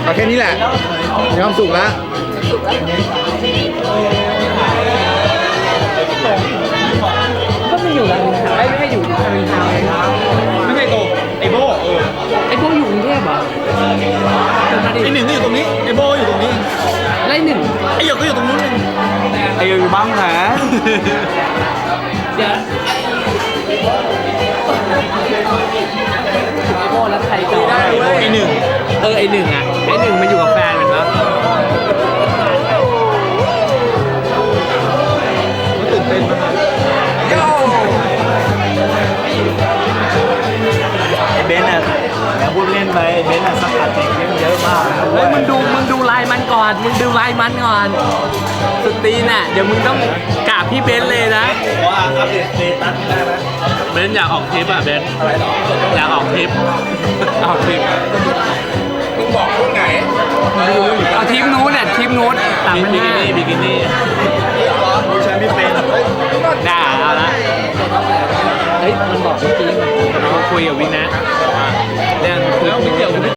เอาแค่นี้แหละมีความสุขแล้วก็ไม่อยู่รามอินทราไม่ให้อยู่รามอินทราเลยครับไม่ใช่โตไอโบไอ้พวกอยู่กรุงเทพเหรอมาดิไอหนึ่งก็อยู่ตรงนี้ไอโบอยู่ตรงนี้ไล่หนึ่งไอหยกก็อยู่ตรงนู้นหนึ่งไอหยกอยู่บ้างแผลเดี๋ยวไอ้โบแล้วใครต่อไอหนึ่งไอ้หนึ่งอ่ะไอ้หนึ่งมันอยู่กับแฟนมันปะตื่นเต้นมากไอเบนซ์อ่ะแล้วพูดเล่นไปไอเบนซ์อ่ะสกัดเด็กเยอะมากเฮ้ยมึงดูลายมันก่อนสุดตีนอ่ะเดี๋ยวมึงต้องกราบพี่เบนซ์เลยนะว่าอัปเดตสเตตัสได้ไหมเบนซ์อยากออกทริปอ่ะเบนซ์อะไรหรออยากออกทริปมึงบอกพวกไหนเอาทริปนู้นเนี่ยทริปนู้น3,500บิกินี่ผู้ชายไม่เป็นด่าเอาละเฮ้ยมันบอกเมื่อกี้มันคุยกับวินนะเรื่องแล้วไม่เกี่ยวกับ